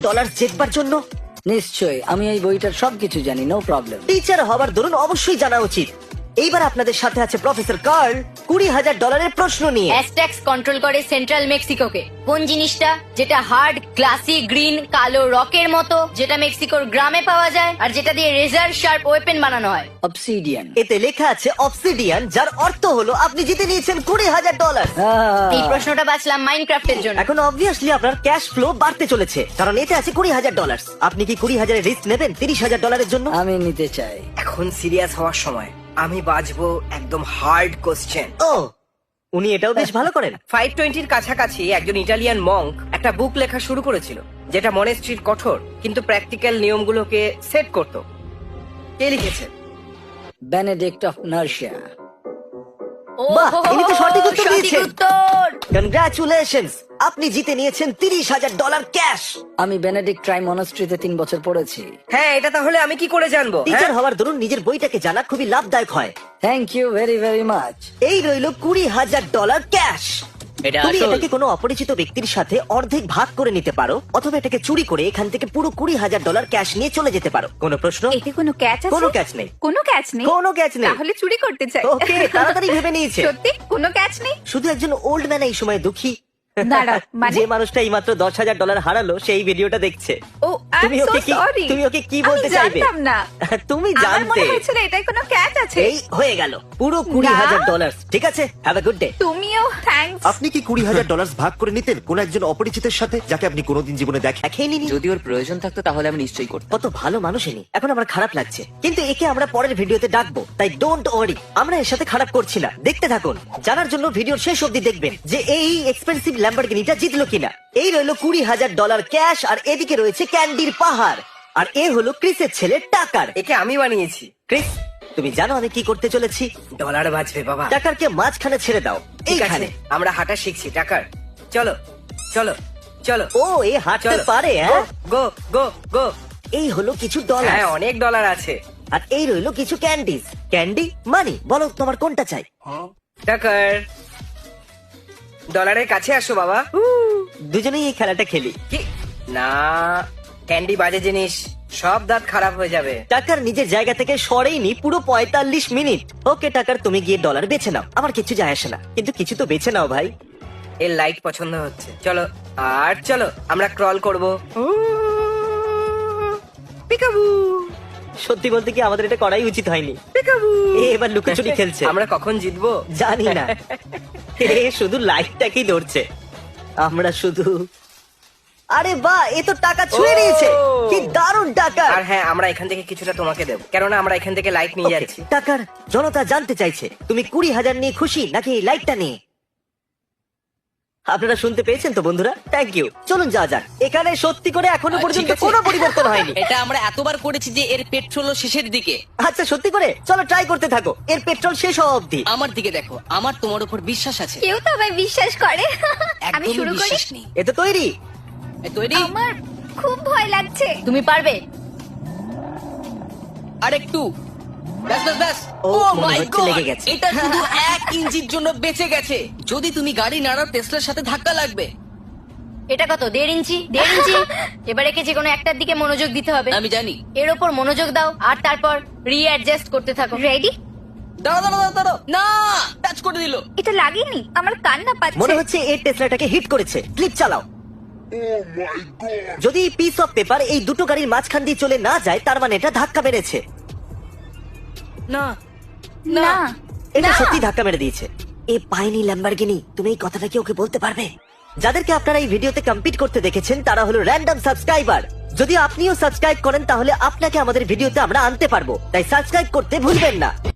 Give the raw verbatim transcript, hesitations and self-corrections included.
Dollar জেতবার জন্য? নিশ্চয়ই, আমি এই বইটার সবকিছু জানি, নো প্রবলেম। টিচার হবার দরুন অবশ্যই জানা উচিত। এইবার আপনাদের সাথে আছে প্রফেসর কার্ল, কুড়ি হাজার ডলারের প্রশ্ন নিয়ে। অ্যাজটেক্স কন্ট্রোল করে সেন্ট্রাল মেক্সিকোকে। কোন জিনিসটা যেটা হার্ড গ্লাসি গ্রিন কালো রকের মতো, যেটা মেক্সিকোর গ্রামে পাওয়া যায় আর যেটা দিয়ে রেজার শার্প ওয়েপেন বানানো হয়? অবসিডিয়ান। এতে লেখা আছে অবসিডিয়ান, যার অর্থ হলো আপনি জিতে নিয়েছেন কুড়ি হাজার ডলার। এই প্রশ্নটা বাছলাম মাইনক্রাফটের জন্য। এখন অবভিয়াসলি আপনার ক্যাশ ফ্লো বাড়তে চলেছে, কারণ এতে আছে কুড়ি হাজার ডলার। আপনি কি কুড়ি হাজারের রিস্ক নেবেন তিরিশ হাজার ডলারের জন্য? আমি নিতে চাই। এখন সিরিয়াস হওয়ার সময়। আমি বাজবো একদম হার্ড কোশ্চেন। ও, উনি এটাও বেশ ভালো করেন। ফাইভ টোয়েন্টির কাছাকাছি একজন ইটালিয়ান মঙ্ক একটা বুক লেখা শুরু করেছিল, যেটা মনেস্ট্রির কঠোর কিন্তু প্র্যাকটিক্যাল নিয়মগুলোকে সেট করত। কে লিখেছে? Benedict of নার্সিয়া। ও বাহ, হো হো ইনি তো হো, সঠিক উত্তর সঠিক দিয়েছেন। উত্তর। কনগ্রাচুলেশনস, আপনি জিতে নিয়েছেন তিরিশ হাজার ডলার ক্যাশ। আমি বেনেডিক্ট ট্রাই মনাস্ট্রিতে তিন বছর পড়েছি। হ্যাঁ, এটা তাহলে আমি কি করে জানবো? টিচার হ্যাঁ? হওয়ার দরুন নিজের বইটাকে জানা খুবই লাভদায়ক হয়। Thank you very very much. এই রইল কুড়ি হাজার ডলার ক্যাশ। এটা তুমি আসল। এটাকে কোনো অপরিচিত ব্যক্তির সাথে অর্ধেক ভাগ করে নিতে পারো, অথবা এটাকে চুরি করে এখান থেকে পুরো কুড়ি হাজার ডলার ক্যাশ নিয়ে চলে যেতে পারো। কোনো প্রশ্ন? এতে কোনো ক্যাচ আছে? কোনো ক্যাচ নেই। কোনো ক্যাচ নেই? কোনো ক্যাচ নেই। তাহলে চুরি করতে চাই। ওকে, তাড়াতাড়ি ভেবে নিয়েছে। সত্যি কোনো ক্যাচ নেই? শুধু একজন ওল্ড ম্যান এই সময় দুঃখী। দাঁড়াও, মানে? যে মানুষটা এই মাত্র দশ হাজার ডলার হারালো সেই ভিডিওটা দেখছে। ও, আই তুমি এম সো ওকে কি সরি। তুমি ওকে কি বলতে চাইবে? জানতাম না। তুমি আমার জানতে। মনে হয়েছিল এটাই কোনো ক্যাচ আছে। এই হয়ে গেল পুরো কুড়ি হাজার ডলার। ঠিক আছে, হ্যাভ এ গুড ডে। তুমিও থ্যাঙ্কস। আপনি কি কুড়ি হাজার ডলার ভাগ করে নিতেন কোন একজন অপরিচিতের সাথে যাকে আপনি কোনোদিন জীবনে দেখেন? দেখেই নিনি। যদি ওর প্রয়োজন থাকতো তাহলে আমি নিশ্চয়ই করতাম। কত ভালো মানুষ ইনি। এখন আমার খারাপ লাগছে, কিন্তু একে আমরা পরের ভিডিওতে ডাকবো, তাই ডোন্ট ওয়ারি, আমরা এর সাথে খারাপ করছি না। দেখতে থাকুন, জানার জন্য ভিডিওর শেষ অবধি দেখবেন যে এই এক্সপেন্সিভ ল্যাম্বরগিনিটা জিতলো কিনা। এই রইলো কুড়ি হাজার ডলার ক্যাশ, আর এদিকে রয়েছে ক্যান্ডির পাহাড়, আর এ হলো ক্রিসের ছেলে টাকার। একে আমি বানিয়েছি। ক্রিস, তুমি জানো আমি কি করতে চলেছি? ডলার বাজবে বাবা। টাকারকে মাঝখানে ছেড়ে দাও। ঠিক আছে, এইখানে। আমরা হাঁটা শিখছি। টাকার, চলো চলো চলো। ও, এ হাঁটতে চলো। পারে, হ্যাঁ? গো গো গো। এই হলো কিছু ডলার, হ্যাঁ, অনেক ডলার আছে। আর এই রইলো কিছু ক্যান্ডিজ। ক্যান্ডি মানি, বলো তোমার কোনটা চাই? টাকার, ডলারের কাছে আসো বাবা। দুজনেই এই খেলাটা খেলি। কি না, ক্যান্ডি বাজে জিনিস, সব দাঁত খারাপ হয়ে যাবে। টাকার নিজের জায়গা থেকে সরেইনি পুরো পঁয়তাল্লিশ মিনিট। ওকে টাকার, তুমি গিয়ে ডলার বেছে নাও, আমার কিছু যায় আসে না, কিন্তু কিছু তো বেছে নাও ভাই। এর লাইট পছন্দ হচ্ছে। চলো আর চলো, আমরা ক্রল করবো। পিকাবু সত্যি বলতে কি আমাদের এটা করাই উচিত হয়নি। পিকাবু। এ এবার লুকোচুরি খেলছে। আমরা কখন জিতবো জানি না, এ শুধু লাইটটাকেই ধরছে। আমরা শুধু, আরে বাহ, এ তো টাকা ছুঁয়ে ও! নিয়েছে। কি দারুণ টাকা। আর হ্যাঁ, আমরা এখান থেকে কিছুটা তোমাকে দেবো, কেননা আমরা এখান থেকে লাইট নিয়ে যাচ্ছি। টাকার জনতা জানতে চাইছে তুমি কুড়ি হাজার নিয়ে খুশি নাকি এই লাইটটা নিয়ে? আপনারা শুনতে পেয়েছেন তো বন্ধুরা, থ্যাংক ইউ। চলুন যাওয়া যাক। এখানে সত্যি করে এখনো আহ, পর্যন্ত ঠিক আছে। কোনো পরিবর্তন হয়নি। এটা আমরা এতবার করেছি যে এর পেট্রোলও শেষের দিকে। আচ্ছা সত্যি করে, চলো ট্রাই করতে থাকো এর পেট্রোল শেষ হওয়া অব্দি। আমার দিকে দেখো, আমার তোমার উপর বিশ্বাস আছে। কেউ তো আমায় বিশ্বাস করে। আমি একদমই শুরু করি। বিশ্বাস নেই। এ তো তৈরি। এই তৈরি? আমার খুব ভয় লাগছে। তুমি পারবে। আর একটু। ব্যাস ব্যাস ব্যাস। ও, ও মনে মাই হচ্ছে গড, লেগে গেছে। এটা শুধু এক ইঞ্চির জন্য বেঁচে গেছে। যদি তুমি গাড়ি নাড়াও টেসলার সাথে ধাক্কা লাগবে। এটা কত? দেড় ইঞ্চি। দেড় ইঞ্চি। এবার একে যে কোনো একটার দিকে মনোযোগ দিতে হবে। আমি জানি। এর ওপর মনোযোগ দাও আর তারপর রিঅ্যাডজাস্ট করতে থাকো। রেডি? দাঁড়াও দাঁড়াও দাঁড়াও, দাঁড়াও। না, টাচ করে দিল। এটা লাগেনি, আমার কান্না মনে পাচ্ছে। হচ্ছে এই টেসলাটাকে হিট করেছে। ক্লিপ চালাও। যদি পিস অফ পেপার এই দুটো গাড়ির মাঝখান দিয়ে চলে না যায়, তার মানে এটা ধাক্কা মেরেছে। না না, এটা না। সত্যি ধাক্কা মেরে দিয়েছে। এ পায়নি ল্যাম্বরগিনি। তুমি এই কথাটা কি ওকে বলতে পারবে? যাদেরকে আপনারা এই ভিডিওতে কম্পিট করতে দেখেছেন তারা হলো র্যান্ডম সাবস্ক্রাইবার। যদি আপনিও সাবস্ক্রাইব করেন তাহলে আপনাকে আমাদের ভিডিওতে আমরা আনতে পারবো, তাই সাবস্ক্রাইব করতে ভুলবেন না।